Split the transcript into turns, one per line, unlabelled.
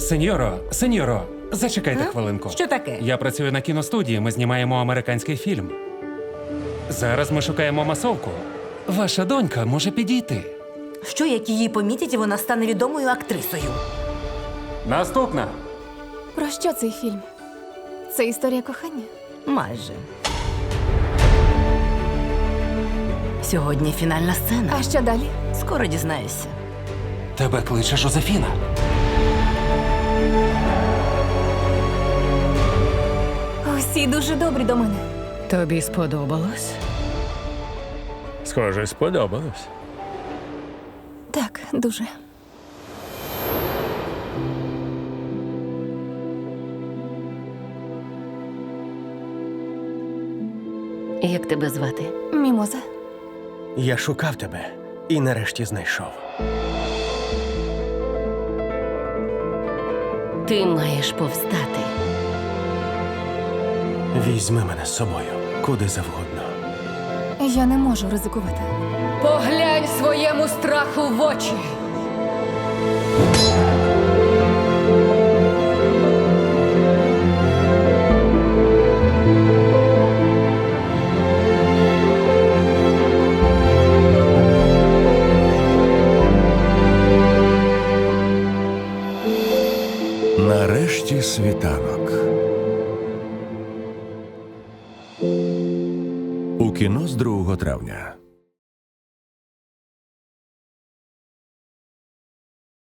Сеньоро, зачекайте хвилинку.
Що таке?
Я працюю на кіностудії, ми знімаємо американський фільм. Зараз ми шукаємо масовку. Ваша донька може підійти.
Що, як її помітять, і вона стане відомою актрисою?
Наступна.
Про що цей фільм? Це історія кохання?
Майже. Сьогодні фінальна сцена.
А що далі?
Скоро дізнаюся.
Тебе кличе Жозефіна.
Усі дуже добрі до мене.
Тобі сподобалось?
Схоже, сподобалось.
Так, дуже.
Як тебе звати?
Мімоза.
Я шукав тебе і нарешті знайшов.
Ти маєш повстати.
Візьми мене з собою, куди завгодно.
Я не можу ризикувати.
Поглянь своєму страху в очі.
Нарешті світанок. У кіно з 2 травня.